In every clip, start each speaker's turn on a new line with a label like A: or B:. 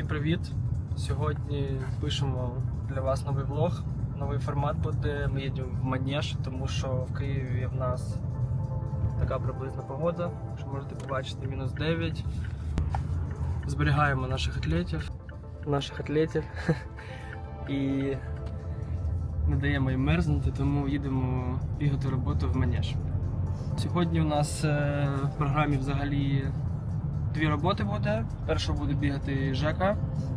A: привіт! Сьогодні пишемо для вас новий влог. Новий формат буде. Ми їдемо в Манеж, тому що в Києві в нас така приблизна погода, що можете побачити, мінус 9. Зберігаємо наших атлетів і не даємо їм мерзнути, тому їдемо бігати роботу в Манеж. Сьогодні у нас в програмі взагалі дві роботи буде. Перша буде бігати Жека.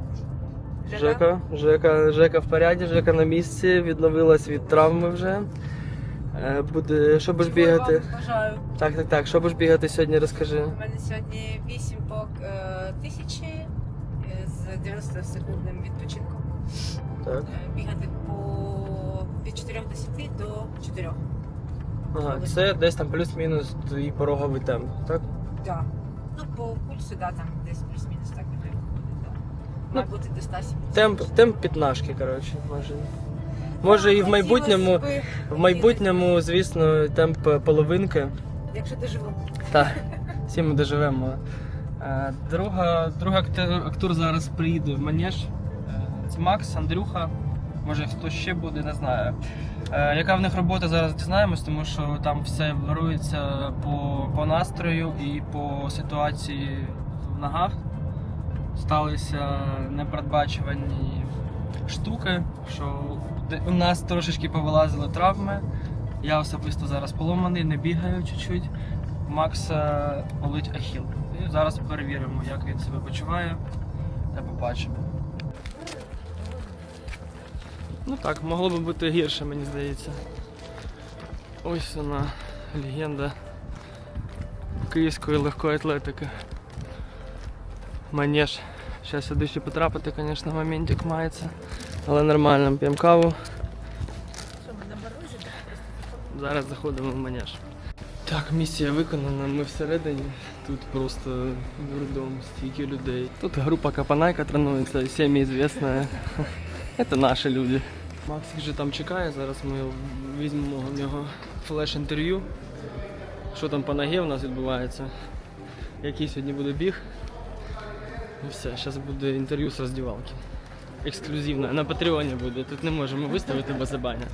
A: Жека в поряді, Жека на місці, відновилась від травми вже. Буде, що будеш бігати?
B: Бажаю.
A: Так, що будеш бігати сьогодні, розкажи.
B: У мене сьогодні 8 по 1000 з 90-секундним відпочинком.
A: Так.
B: Бігати від 4:10 до 4.
A: Ага, це десь там плюс-мінус твій пороговий темп, так?
B: Так. Ну, по пульсу, да, там десь плюс-мінус так і має виходить, так. Має бути до 170.
A: Темп п'ятнашки, коротше, може. Може і в майбутньому, звісно, темп половинки.
B: Якщо доживу.
A: Так, всі ми доживемо. Другий актор зараз приїде в Манеж. Це Макс, Андрюха. Може хтось ще буде, не знаю. Яка в них робота, зараз дізнаємось, тому що там все варюється по настрою і по ситуації в ногах. Сталися непередбачувані штуки, що у нас трошечки повилазили травми. Я особисто зараз поломаний, не бігаю чуть-чуть. У Макса болить ахіл. І зараз перевіримо, як він себе почуває, та побачимо. Ну так, могло би бути гірше, мені здається. Ось вона, легенда київської легкої атлетики. Манеж. Зараз сюди ще потрапити, звісно, моментик мається. Але нормально, п'ємо каву.
B: Що, ми на морозі?
A: Зараз заходимо в Манеж. Так, місія виконана, ми всередині. Тут просто дурдом, стільки людей. Тут група Капанайка тренується, всім відома. Це наші люди. Макс вже там чекає, зараз ми візьмемо у нього флеш-інтерв'ю. Що там по ногі у нас відбувається, який сьогодні буде біг. І все, зараз буде інтерв'ю з роздівалки. Ексклюзивне, на Патреоні буде, тут не можемо виставити без забання.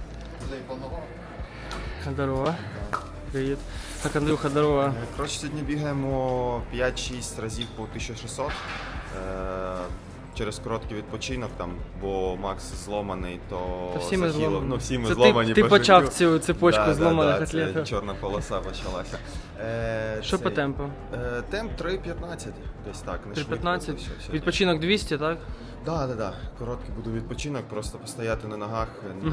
A: Здорово. Привіт. Так, Андрюха, здорово.
C: Коротше, сьогодні бігаємо 5-6 разів по 1600. Через короткий відпочинок, там, бо Макс зломаний, то
A: всі ми зломані.
C: Ну, всі ми
A: це
C: зломані.
A: Ти
C: по
A: почав
C: життю.
A: цю цепочку зломаних
C: це
A: атлетів.
C: чорна полоса почалася.
A: Що по темпу?
C: Темп 3.15, десь так. Не швидко,
A: 3.15?
C: все.
A: Відпочинок 200, так?
C: Так. Короткий буде відпочинок, просто постояти на ногах,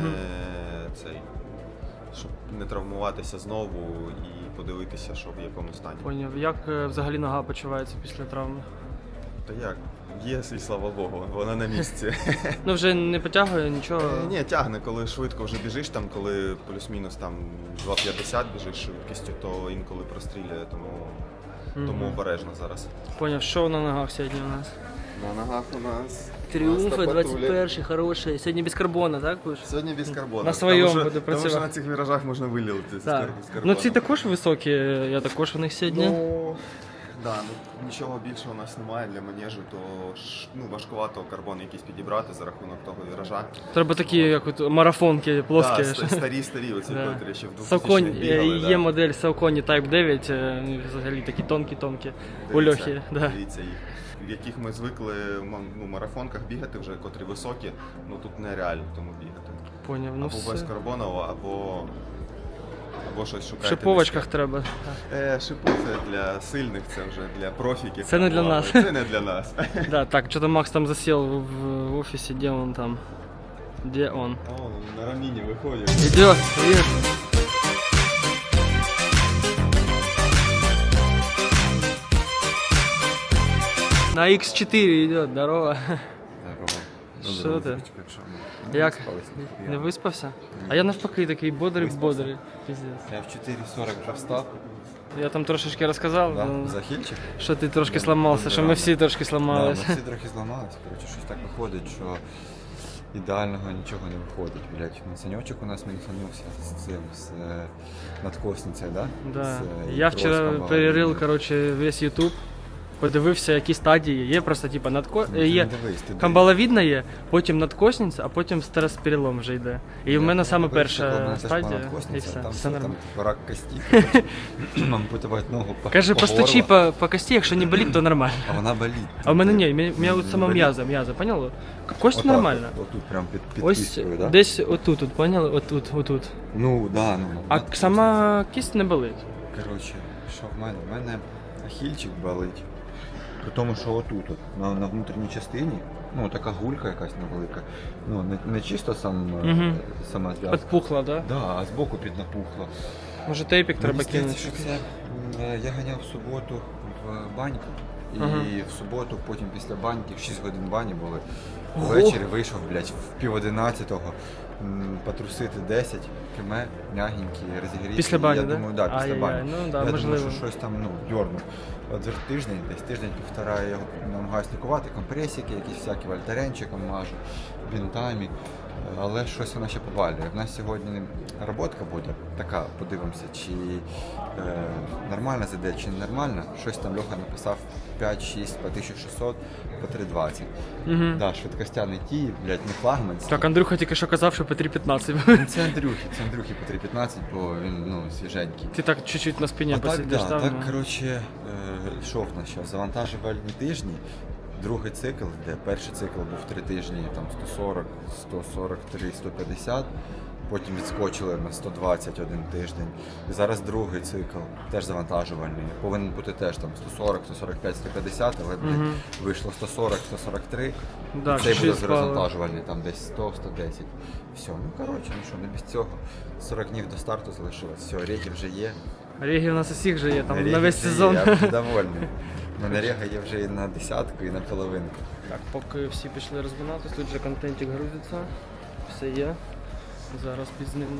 C: щоб не травмуватися знову і подивитися, що в якому стані.
A: Поняв. Як взагалі нога почувається після травми?
C: Та як? Є, і слава Богу, вона на місці.
A: Ну вже не потягує нічого?
C: Ні, тягне, коли швидко вже біжиш, там, коли плюс-мінус там 2.50 біжиш швидкістю, то інколи прострілює, тому обережно зараз.
A: Поняв, що на ногах сьогодні у нас?
C: На ногах у нас
A: Тріумфи,
C: Патрулі.
A: 21-й, хороший. Сьогодні без карбона, так? Будеш?
C: Сьогодні без карбона.
A: На своєму
C: Тому що-
A: буде
C: Тому що
A: працювати.
C: на цих віражах можна вилілити з
A: Так.
C: карбоном.
A: Ну ці також високі, я також у них сьогодні.
C: Нічого більше у нас немає для манежу, то важкувато карбон якийсь підібрати за рахунок того віража.
A: Треба такі, як от марафонки плоскі.
C: Старі, оці,
A: Да.
C: котрі ще в 2000-х
A: Сауконь,
C: бігали.
A: є модель Saucony Type 9, взагалі такі тонкі у Льохи. Да.
C: Дивіться їх, в яких ми звикли в марафонках бігати вже, котрі високі, тут нереально тому бігати.
A: Поняв, ну
C: Або без
A: все.
C: карбонового, або щось шукати.
A: В шиповочках треба.
C: Шипи це для сильних, це вже для профіків.
A: Це не для нас.
C: Це не для нас.
A: Да, так, что-то Макс там засел в офисе, где он там? Где он?
C: О, на раміні виходить.
A: Идет, привет. На X4 идет, здорово. Що ти? Як? Не виспався? А я навпаки такий бодрий. Пиздец.
D: Я в 4.40 вже встав.
A: Я там трошечки розказав,
D: Да?
A: ну,
D: Захильчик?
A: що ти трошки сломався, що ми всі трошки
D: Да,
A: сломалися.
D: ми всі трохи зламалися. Коротше, щось так виходить, що ідеального нічого не виходить. Блять, ну, санечок у нас мінусанувся з надкосницею, да?
A: Да.
D: З,
A: Я вчера
D: троском,
A: перерыл, короче, весь YouTube. подивився, які стадії. Є просто, типу,
D: Ти
A: є
D: не дивись, ти
A: камбаловідна є, потім надкосниця, а потім стересперелом вже йде. І в мене саме перша стадія, і все.
D: Там
A: Все
D: все,
A: нормально.
D: там рак кості, ампутувати ногу по
A: Каже,
D: по
A: постучи
D: горло,
A: по кості, якщо не болить, то нормально.
D: а вона болить.
A: А в мене ні, у мене от сама
D: Болить.
A: м'яза, поняла? Кость
D: Отак
A: нормальна.
D: от, Отут прям під
A: Ось
D: кісткою, да?
A: десь отут, от, поняли? Отут.
D: Ну, да, ну.
A: А сама кість не болить.
D: Коротше, що в мене? В мене ахільчик болить. При тому, що отут, от, на внутрішній частині, ну, така гулька якась невелика. Ну, не чисто
A: Мгм.
D: сама зв'язка.
A: Підпухла, да?
D: Да, а збоку піднапухла.
A: Може тейпік треба
D: Мені здається,
A: кинути.
D: що це я ганяв в суботу в баньку. І
A: Ага.
D: в суботу, потім після баньки, в 6 годин бані були.
A: Ого.
D: Ввечері вийшов, блядь, в 10:30, потрусити 10 км, м'ягенькі, розігріті.
A: Після бані,
D: я
A: да?
D: думаю, да, після
A: Ай-яй-яй,
D: бані.
A: ну да,
D: я
A: можливо.
D: думаю, що щось там, дьорнув. От тиждень, десь тиждень-півтора я його намагаюся лікувати, компресики, якісь всякі вольтаренчиком мажу, бінтами. Але щось вона ще побалює. В нас сьогодні роботка буде така, подивимося, чи нормально зайде, чи не нормально. Щось там Льоха написав 5-6 по 1600, по 320.
A: Угу.
D: Да, швидкостяний ті, блядь, не флагманський.
A: Так, Андрюха тільки що казав, що по 3.15.
D: Ну, це Андрюхи по 315, бо він свіженький.
A: Ти так чуть-чуть на спині
D: А так,
A: посидиш
D: да,
A: там.
D: так,
A: ну.
D: коротше, що в нас зараз? Завантажувальні тижні, другий цикл, де перший цикл був 3 тижні, там 140, 143, 150, потім відскочили на 120 один тиждень. І зараз другий цикл, теж завантажувальний, повинен бути теж там 140, 145, 150, але
A: Мгм.
D: вийшло 140, 143,
A: Да,
D: цей буде
A: чуть-чуть спало.
D: завантажувальний, там десь 100, 110. Все, ну коротше, ну що, не без цього. 40 днів до старту залишилось, все, рейки вже є.
A: Регі у нас усіх же є, там
D: Реги
A: на весь
D: вже є,
A: сезон.
D: Я вже довольний. У мене рега є вже і на десятку, і на половинку.
A: Так, поки всі пішли розминатись, тут вже контентик грузиться, все є. Зараз пізнимо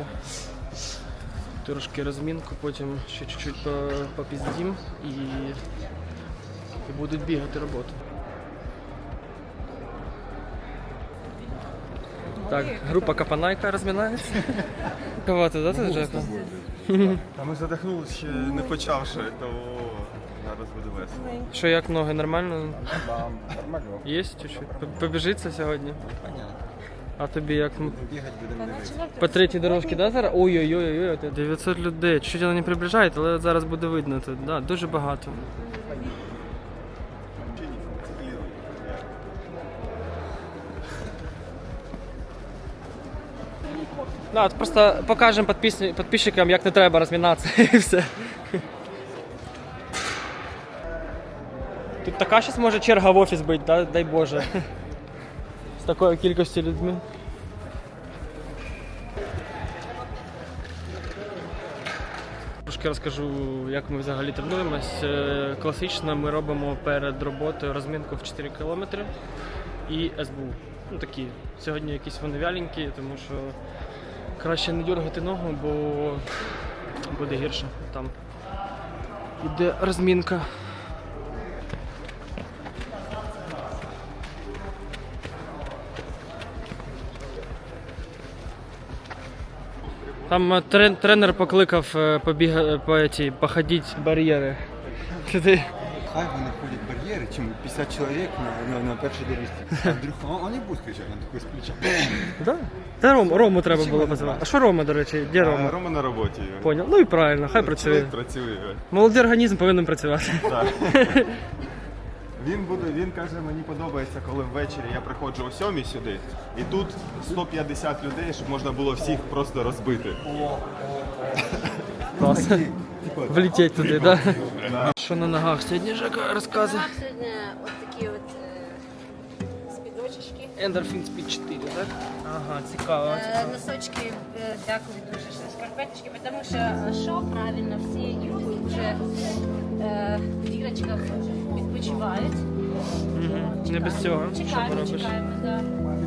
A: трошки розмінку, потім ще чуть-чуть попіздім і будуть бігати роботу. Так, група Капанайка розминається. Кого ти, да, ти Джеко?
C: Та ми задихнулися ще не почавши, то зараз буде весело.
A: Що, як ноги, нормально?
D: Нормально.
A: Є чуть-чуть? Побіжиться сьогодні?
D: Понятно.
A: А тобі як?
D: Бігати будемо дивитися.
A: По третій дорожці, да, зараз? Ой-ой-ой, 900 людей. Чуть вони не приближають, але от зараз буде видно тут. Да, дуже багато. Да, от просто покажемо підписчикам, як не треба розмінатися і все. Тут така зараз може черга в офіс бути, да? Дай Боже. З такою кількістю людьми. Трошки розкажу, як ми взагалі тренуємось. Класично ми робимо перед роботою розмінку в 4 км і СБУ. Ну такі. Сьогодні якісь вони вяленькі, тому що краще не дергати ногу, бо буде гірше. Там іде розмінка. Там тренер покликав походити бар'єри.
D: Хай вони ходять бар'єри, чим 50 чоловік на першій дорожці. Андрюха, вони будуть кричати, він такий з плеча.
A: Да? Та Рому треба було позвати. А що Рома, до речі? Де Рома?
C: Рома на роботі.
A: Поняв. Ну і правильно, хай працює.
C: Працює.
A: Молодий організм повинен працювати.
C: Так. Він каже, мені подобається, коли ввечері я приходжу о 7 сюди, і тут 150 людей, щоб можна було всих просто розбити.
A: Клас. Влететь туди, так? Да? Що на ногах сьогодні, Жека, розказує?
B: Сьогодні от такі от спідочечки.
A: Endorphin Speed 4, так? Ага, цікаво.
B: Носочки, дякую дуже, що шкарпеточки, тому що правильно всі йдуть вже в дірочках відпочивають.
A: Угу. Не без цього. Що
B: Чекаємо,
A: поробиш?
B: чекаємо, так.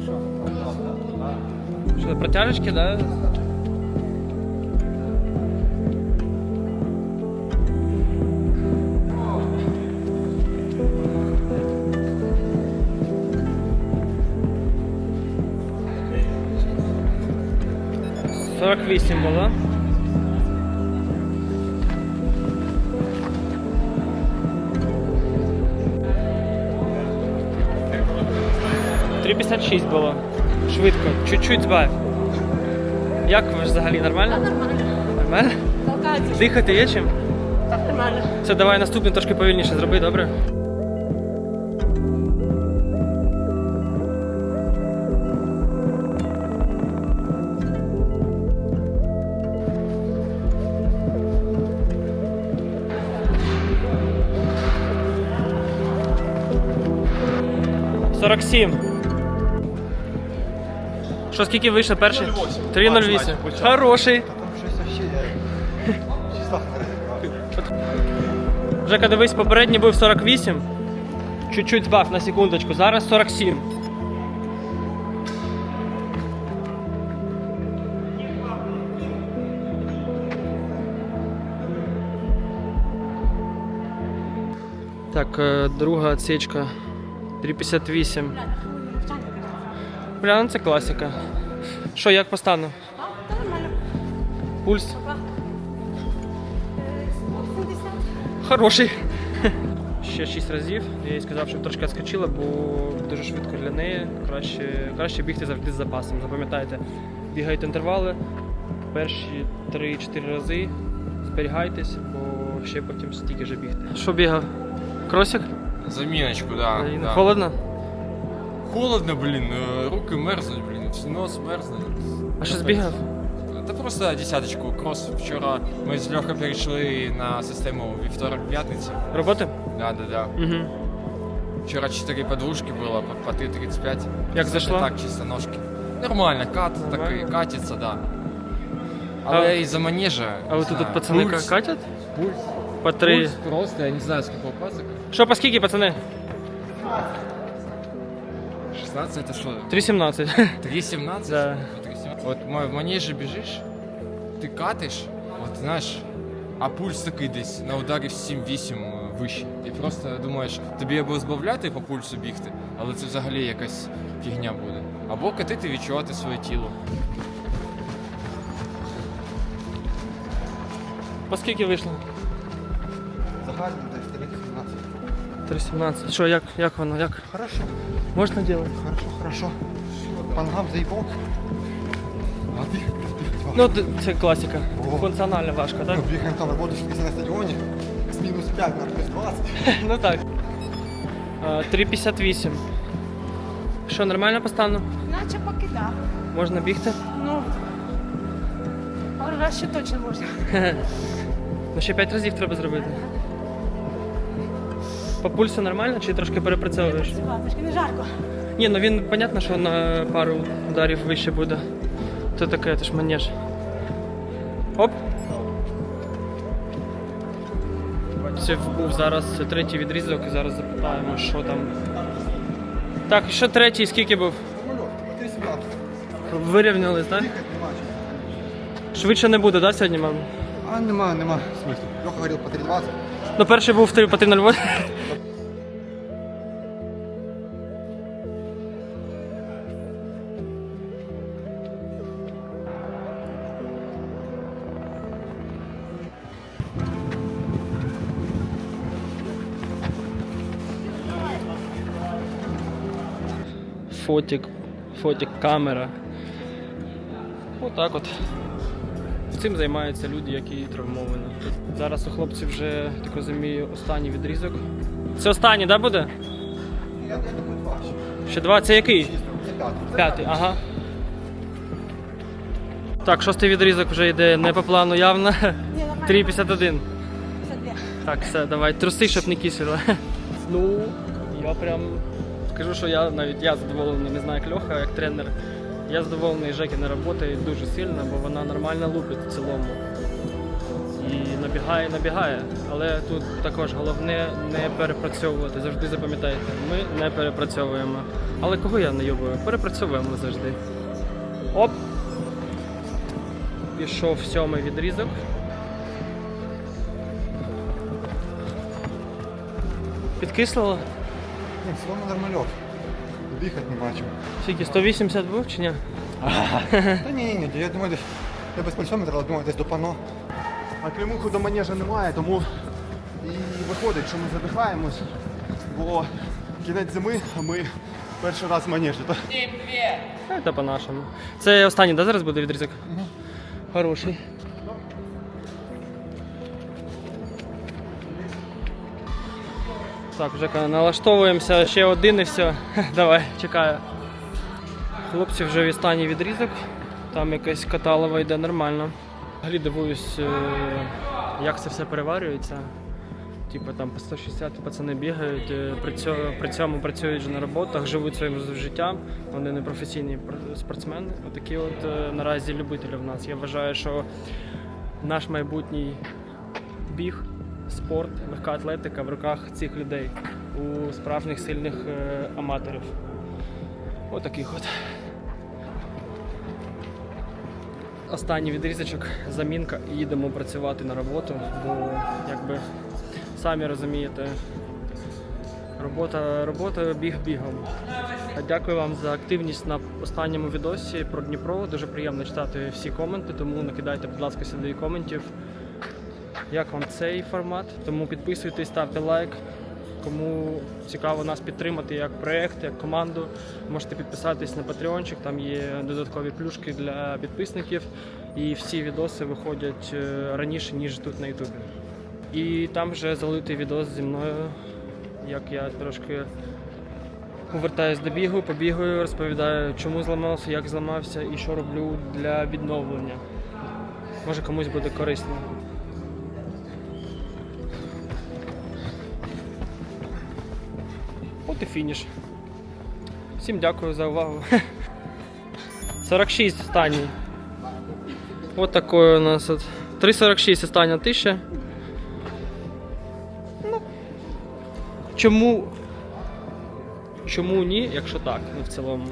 A: Що, протяжечки, так? Да? «48» було. 3,56 було. Швидко, чуть-чуть збавив. Як ви ж взагалі, нормально?
B: Нормально.
A: Нормально?
B: Толкається.
A: Дихати є чим?
B: Так, нормально.
A: Це давай наступний трошки повільніше зроби, добре? «47». Що, скільки вийшло перший? 3,08. Хороший.
D: Там щось вообще я числа не розібрав.
A: Жека, дивись, попередній був 48. Чуть-чуть збав на секундочку. Зараз 47. Так, друга отсечка. 3,58. Бля, ну це класика. Що, як по стану?
B: Так, нормально.
A: Пульс?
B: 70.
A: Хороший. Ще 6 разів. Я їй сказав, щоб трошки відскочила, бо дуже швидко для неї. Краще бігти завжди з запасом. Запам'ятайте, бігайте інтервали. Перші 3-4 рази зберігайтесь, бо ще потім стільки ж бігти. Що бігав? Кросик?
E: Заминочку, да. да.
A: Холодно?
E: Холодно, блин, руки мерзнуть, блин, нос мерзнуть.
A: А що збігав?
E: Та просто десяточку. Крос вчора ми з Льохою перейшли на систему вівторок-п'ятниця.
A: Роботи?
E: Да.
A: Угу.
E: Вчора 4 подвушки було, по 3,35.
A: Як
E: Це
A: зайшло?
E: Так, чисто ножки. Нормально, кат
A: Нормально?
E: такий, катиться, да. Але із-за манежа.
A: А ви тут пацани
E: пульс,
A: катять?
E: Пульс.
A: По 3.
E: Пульс просто, я не знаю, сколько пасок.
A: Що, по скільки, пацани?
E: 16 это что?
A: 3,17.
E: 3,17?
A: Да.
E: 3,17. Вот в манеже бежишь, ты катиш, от знаєш, а пульс такий десь на ударі в 7-8 вище. І просто думаєш, тобі або збавляти по пульсу бігти, але це взагалі якась фігня буде. Або катити, відчувати своє тіло.
A: По скільки вийшло?
D: Загально десь 3,17.
A: 3,17. Що, як воно? Як?
D: Хорошо,
A: Можна робити?
D: хорошо. По ногам заїбав. А бігати.
A: Ну, це класика.
D: О.
A: Функціонально важко, так?
D: Бігаємо там роботу на стадіоні. З мінус 5 на плюс 20.
A: Ну так. 3,58. Що, нормально по стану?
B: Наче поки так.
A: Можна бігти?
B: Ну, пару раз ще точно можна.
A: Ну ще 5 разів треба зробити. По пульсу нормально чи трошки перепрацьовуєш?
B: Працювати, трошки не жарко.
A: Ні, ну він, понятно, що на пару ударів вище буде. То таке, це ж манеж. Оп. Це був зараз третій відрізок і зараз запитаємо, що там. Так, і що третій, скільки був?
D: 3,17.
A: Вирівнялись, так?
D: Бігати нема чого.
A: Швидше не буде, так, сьогодні, мам?
D: А нема смислу. Льоха говорив по 3,20.
A: Ну, перший був по 3:08. Фотик, камера. Отак от. Цим займаються люди, які травмовані. Зараз у хлопців вже, так розумію, останній відрізок. Це останній, так, буде?
D: Я думаю, 2 ще.
A: Ще 2, це який?
D: Це 5.
A: П'ятий, ага. Так, шостий відрізок вже йде не по плану явно. 3,51. Так, все, давай, труси, щоб не кисило. Ну, я прям скажу, що я задоволений, не знаю, як Льоха, як тренер. Я задоволений Жекіна роботою дуже сильно, бо вона нормально лупить в цілому. І набігає. Але тут також головне не перепрацьовувати. Завжди запам'ятайте, ми не перепрацьовуємо. Але кого я найобую? Перепрацьовуємо завжди. Оп! Пішов 7-й відрізок. Підкислило?
D: Ні, все одно нормальок. Дихати нема чого.
A: Скільки, 180 був чи ні?
D: Та ні, я думаю, десь я без пульсометра, але думаю, десь до пано.
F: А клімуху до манежа немає, тому і виходить, що ми задихаємось, бо кінець зими, а ми Перший раз в манежі. То...
A: Це по-нашому. Це останній, да, зараз буде відрізок? Хороший. Так, вже налаштовуємося, ще один і все. Давай, чекаю. Хлопці вже в останній відрізок. Там якась каталова йде нормально. Взагалі дивуюсь, як це все переварюється. Типу там по 160 пацани бігають, при цьому працюють вже на роботах, живуть своїм життям. Вони не професійні спортсмени. Отакі от наразі любителі в нас. Я вважаю, що наш майбутній біг, спорт, легка атлетика в руках цих людей, у справжніх сильних аматорів. Отаких от. Останній відрізочок, замінка, і їдемо працювати на роботу, бо якби самі розумієте, робота біг бігом. Дякую вам за активність на останньому відосі про Дніпро. Дуже приємно читати всі коменти, тому накидайте, будь ласка, сюди коментів. Як вам цей формат? Тому підписуйтесь, ставте лайк. Кому цікаво нас підтримати як проєкт, як команду, можете підписатись на Patreonчик, там є додаткові плюшки для підписників. І всі відоси виходять раніше, ніж тут на Ютубі. І там вже залитий відос зі мною, як я трошки повертаюсь до бігу, побігаю, розповідаю, чому зламався, як зламався і що роблю для відновлення. Може комусь буде корисно. От і фініш. Всім дякую за увагу. 46 останній. От такой у нас от. 3,46 остання 1000. Ну, чому ні, якщо так, ну в цілому.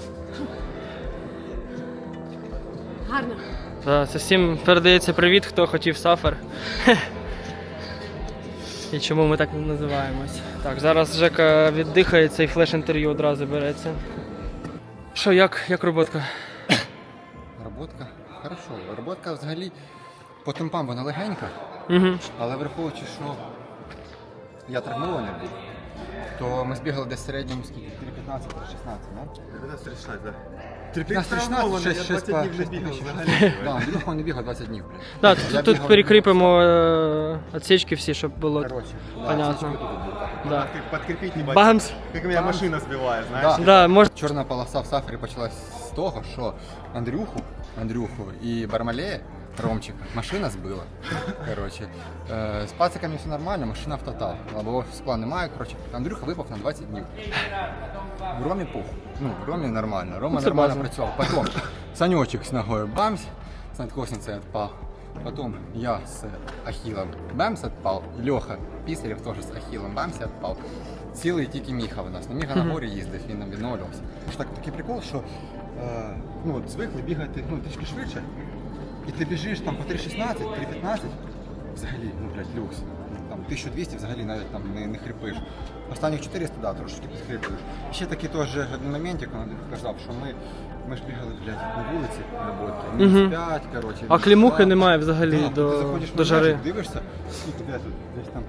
B: Гарно.
A: Так, це всім передається привіт, хто хотів сафар. І чому ми так називаємось. Так, зараз Жека віддихається і флеш-інтерв'ю одразу береться. Що, як роботка?
D: Роботка? Хорошо. Роботка взагалі по темпам вона легенька,
A: Угу.
D: але враховуючи, що я травмований був, то ми збігали десь в середньому скільки? 3.15-3.16, да?
F: 15-16, так.
D: 15-16, 6
F: 20 днів не бігав взагалі.
D: Так, Андрюха не бігав 20 днів, блін.
A: Так,
D: Я
A: тут
D: бігав-
A: перекріпимо отсечки всі, щоб було
D: Короче,
A: понятно.
D: отсечка тут була.
A: Да.
F: Подкрепить небольшой.
A: Бамс!
F: Как меня машина сбивает, знаешь?
D: Да.
A: Да, може.
D: Чорна полоса в сафарі почалась з того, що Андрюху і Бармалея, Ромчика, машина збила. Короче, з пациками все нормально, машина в тотал. Лобового скла немає, короче, Андрюха випав на 20 днів. В Ромі пух. Ну, в Ромі нормально. Рома
A: Ну, це
D: нормально
A: база.
D: працював. Потім Санечек з ногою бамс, з надкосницею відпав. Потім я з Ахілом бамс відпав. Льоха Пісарєв теж з Ахілом бамс відпав. Цілий тільки Міха у нас. Ну, Міха на горі їздив, він нам відновлювався. Такий прикол, що ну, от звикли бігати ну, трішки швидше. І ти біжиш там по 3.16, 3.15, взагалі, ну, блядь, люкс. Там 1200 взагалі навіть там не хрипиш. Останніх 400, да, трошки підхриплюєш. І ще такий теж один моментик, він казав, що ми ж бігали, блядь, на вулиці на роботі. Мінус 5, коротше.
A: А клімухи немає взагалі
D: Да, ти заходиш
A: до
D: в
A: жари.
D: межі, дивишся, скільки тут, десь там,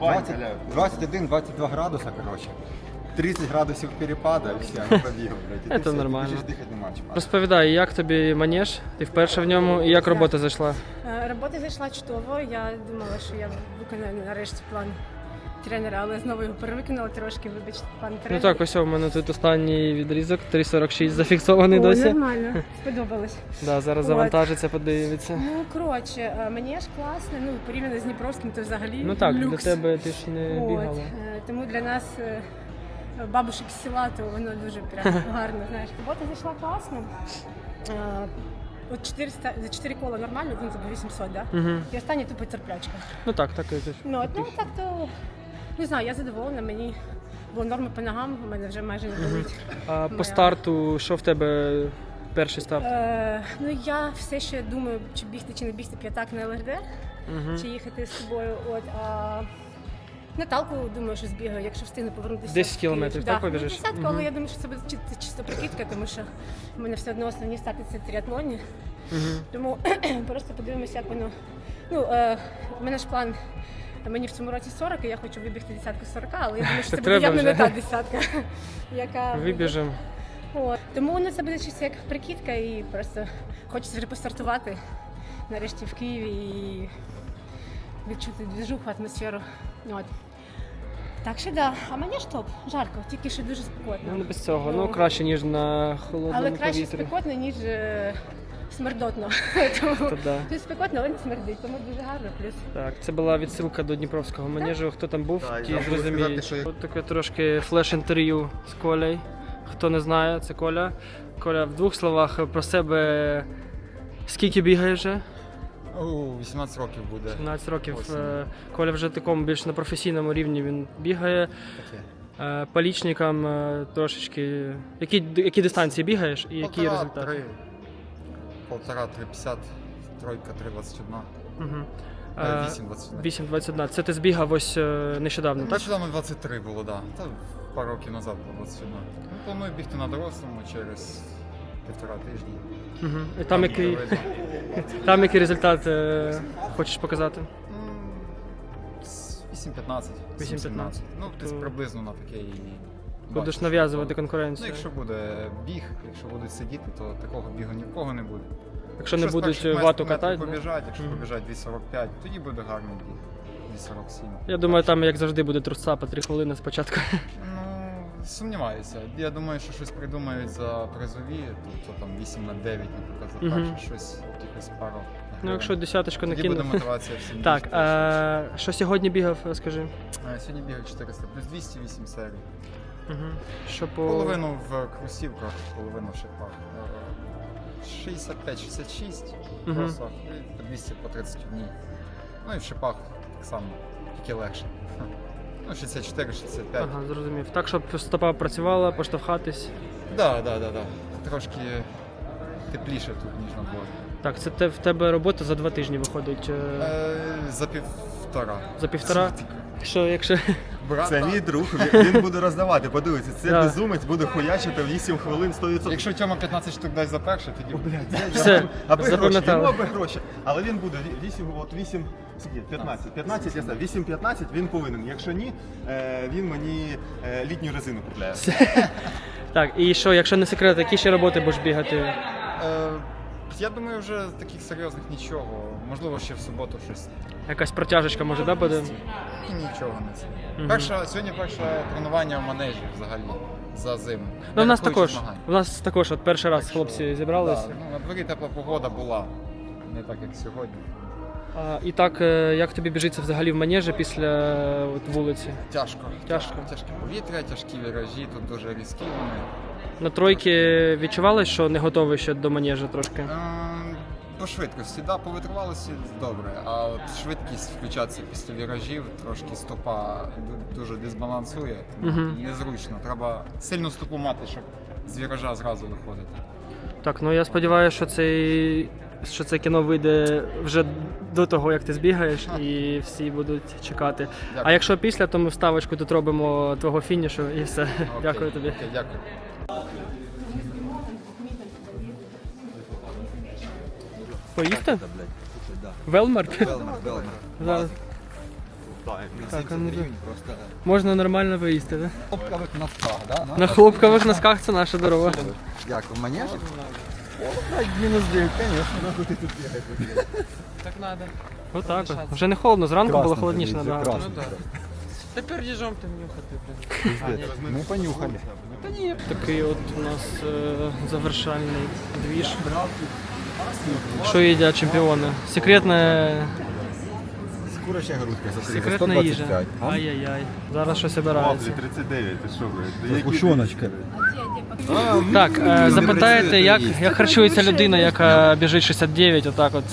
D: блядь, 21-22 градуса, коротше. 30 градусів перепада, і все, не побігав, блядь. І ти
A: Це
D: все,
A: нормально.
D: Ти біжиш, дихати нема чим.
A: Розповідай, як тобі манеж? Ти вперше в ньому і як робота зайшла?
G: Робота зайшла чудово. Я думала, що я виконаю нарешті план тренера, але знову його перевиконала трошки, вибачте, пан
A: Ну
G: тренер.
A: так, ось у мене тут останній відрізок, 3.46 зафіксований
G: О,
A: досі.
G: нормально, сподобалось.
A: Да, зараз
G: От.
A: завантажиться, подивиться.
G: Ну, коротше, манеж класний, ну, порівняно з Дніпровським, то взагалі
A: Ну так,
G: люкс.
A: для тебе ти ж не
G: От,
A: бігала.
G: тому для нас бабушек з села, то воно дуже прям гарно, знаєш. Робота зайшла класно. От 400, за 4 кола нормально, він забув 800, да?
A: Угу.
G: І останній тупо терплячка.
A: Ну так, так і тут.
G: Ну так то, не знаю, я задоволена, мені було норми по ногам, у мене вже майже не болить.
A: А по
G: Моя.
A: старту, що в тебе перший старт?
G: Ну я все ще думаю, чи бігти, чи не бігти п'ятак на ЛРД,
A: Угу.
G: чи їхати з тобою. От, а Наталку, думаю, що збігаю, якщо встигну повернутися.
A: 10
G: в Київ.
A: кілометрів, так, побіжиш?
G: Десятку,
A: Мгм.
G: але я думаю, що це буде чисто прикидка, тому що в мене все одно основні старти це тріатлоні.
A: Угу.
G: Тому просто подивимося, як воно. Ну, у мене ж план Мені в цьому році 40, і я хочу вибігти десятку 40, але я думаю, що це буде
A: треба
G: явно не
A: вже.
G: та десятка, яка
A: Вибіжемо.
G: От. Тому воно це буде чисто як прикидка, і просто хочеться вже постартувати нарешті в Києві і відчути движуху, атмосферу. От. Так що да, а мені ж топ, жарко, тільки що дуже спекотно.
A: Ну, не без цього. Ну, краще, ніж на холодному
G: Але краще
A: повітрі.
G: спекотно, ніж смердотно. Тому
A: То да.
G: тут спекотно, але не смердить, тому дуже гарно. Плюс
A: Так, це була відсилка до Дніпровського манежу. Хто там був,
C: Так,
A: ті
C: я забув
A: зрозуміють.
C: сказати, що я-
A: От таке трошки флеш-інтерв'ю з Колею. Хто не знає, це Коля. Коля, в двох словах про себе. Скільки бігає вже?
D: 18 років буде.
A: 17 років.
D: Осінь.
A: Коля вже такому більш на професійному рівні він бігає.
D: Таке.
A: По лічникам трошечки. Які дистанції бігаєш і які результати?
D: 1,5, 3,50, тройка 3,21.
A: Угу.
D: 8,21.
A: 8.21. Це ти збігав ось нещодавно, так?
D: Нещодавно 23 було, так. Да. Та пару років назад було 21. Ну, планую бігти на дорослому через 1,5 тижні.
A: Угу. І там який результат хочеш показати?
D: 8,15.
A: 8,15.
D: Ну, десь
A: То-
D: приблизно на таке і
A: Будеш
D: бачиш.
A: нав'язувати
D: Ну,
A: конкуренцію.
D: якщо буде біг, якщо будуть сидіти, то такого бігу ні в кого не буде.
A: Якщо не
D: з
A: будуть
D: перших
A: вату
D: метрів
A: катати. да?
D: побіжать, якщо
A: Мгм.
D: побіжать 2,45, тоді буде гарний біг. 2,47.
A: Я думаю, там як завжди буде трусца по 3 хвилини спочатку.
D: Ну, сумніваюся. Я думаю, що щось придумають за призові, тобто там 8 на 9, наприклад, за
A: Мгм.
D: перше щось, якось пару.
A: Ну, якщо десяточку
D: тоді буде
A: накинув.
D: мотивація всім.
A: Так,
D: бігти.
A: що сьогодні бігав, скажи?
D: Сьогодні бігав 400 плюс 208 серій.
A: Угу. Що по...
D: Половину в кросівках, половину в шипах. 65-66 в
A: Мгм.
D: кросах і по 200 по 31. Ну і в шипах так само, тільки легше. Ну, 64-65.
A: Ага, зрозумів. Так, щоб стопа працювала, поштовхатись.
D: Да. Трошки тепліше тут, ніж на дворі.
A: Так, це в тебе робота за 2 тижні виходить.
D: За півтора.
A: За півтора. Що, якщо.
D: Брат,
F: Це мій друг, він буде роздавати, подивіться, це
A: Да.
F: безумець буде хуячити в 8 хвилин 100%.
D: якщо Тьома 15 штук дасть за перше, тоді
A: Все,
F: аби гроші,
A: запам'ятали.
F: йому аби гроші. Але він буде 8, скільки? 15. 15, я знаю, 8-15 він повинен. Якщо ні, він мені літню резину купляє.
A: Так, і що, якщо не секрет, які ще роботи будеш бігати?
D: я думаю, вже таких серйозних нічого. Можливо, ще в суботу щось.
A: Якась протяжечка може, да, буде?
D: І нічого не це.
A: Мгм.
D: Сьогодні перше тренування в манежі взагалі за зиму.
A: Ну, в нас
D: Не рахуючи
A: також.
D: змагань.
A: У нас також от перший раз хлопці зібралися.
D: Да, ну, на дворі тепла погода була. Не так, як сьогодні.
A: І так, як тобі біжиться взагалі в манежі після от, вулиці?
D: Тяжко.
A: Тяжко.
D: Тяжке повітря, тяжкі віражі, тут дуже різкі вони.
A: На тройки відчували, що не готовий ще до манежа трошки?
D: По швидкості, да, по витривалості добре, а от швидкість включатися після віражів, трошки стопа дуже дисбалансує, тому
A: Мгм.
D: незручно. Треба сильну стопу мати, щоб з віража зразу виходити.
A: Так, ну я сподіваюся, що це кіно вийде вже до того, як ти збігаєш, і всі будуть чекати. А
D: Дякую.
A: якщо після, то ми вставочку тут робимо твого фінішу і все.
D: Окей,
A: Дякую тобі.
D: Окей, дякую.
A: Поїсти? Велмар?
D: Велмар.
A: Зараз. Так, а ну,
D: Просто
A: можна нормально поїсти, так?
D: хлопкових носках, да?
A: На хлопкових носках це наша дорога.
D: Як, в манежі?
F: Мінус 9, звісно, нахуй ти тут бігаєш.
A: Так треба. Отак от. Вже не холодно, зранку було холодніше набагато.
E: Тепер їжом ти нюхати, блін.
F: Ми понюхали.
A: Такий от у нас завершальний двіж. Що їдять чемпіони? Секретна
F: Куряча грудка за
A: секретна їжа. Ай-яй-яй. Зараз щось обирається.
F: 39, ти що, блядь?
D: Гущоночка.
A: Так, запитаєте, як харчується людина, яка біжить 69, отак от.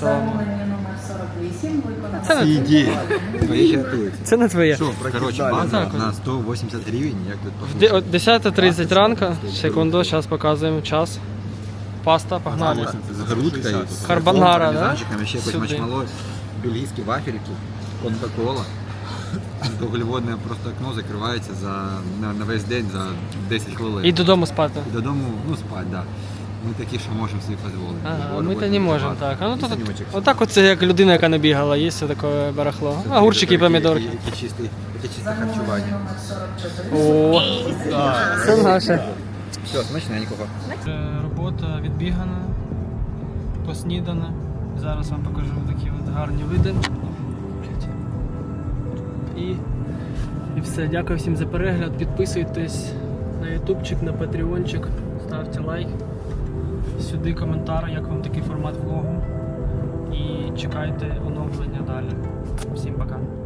A: Це не,
D: Ідеї. Твої рятуються.
A: це не твоє.
D: Коротше,
A: Так,
D: база
A: от.
D: на 180 гривень, як тут
A: От 10:30 ранку. Секунду, зараз показуємо час. Паста, погнали.
D: з грудкою,
A: Карбонара, да?
D: пармезанчиком, ще якось
A: Сюди.
D: мачмало, бельгійські вафельки, кока-кола. Вуглеводне просто окно закривається на весь день за 10 хвилин.
A: І додому спати.
D: І додому, ну, спать, да. Ми такі, що можемо собі дозволити.
A: Ага, ми то не можемо, так. А ну то
D: Санючок.
A: отак оце як людина, яка не бігала, є все таке барахло. Огурчики і помідорки.
D: Яке чисте харчування.
A: О, це наше.
D: Все, смачненького.
A: Робота відбігана, поснідана. Зараз вам покажу такі от гарні види. І все. Дякую всім за перегляд. Підписуйтесь на ютубчик, на патреончик, ставте лайк. Сюди коментар, як вам такий формат влогу. І чекайте оновлення далі. Всім пока.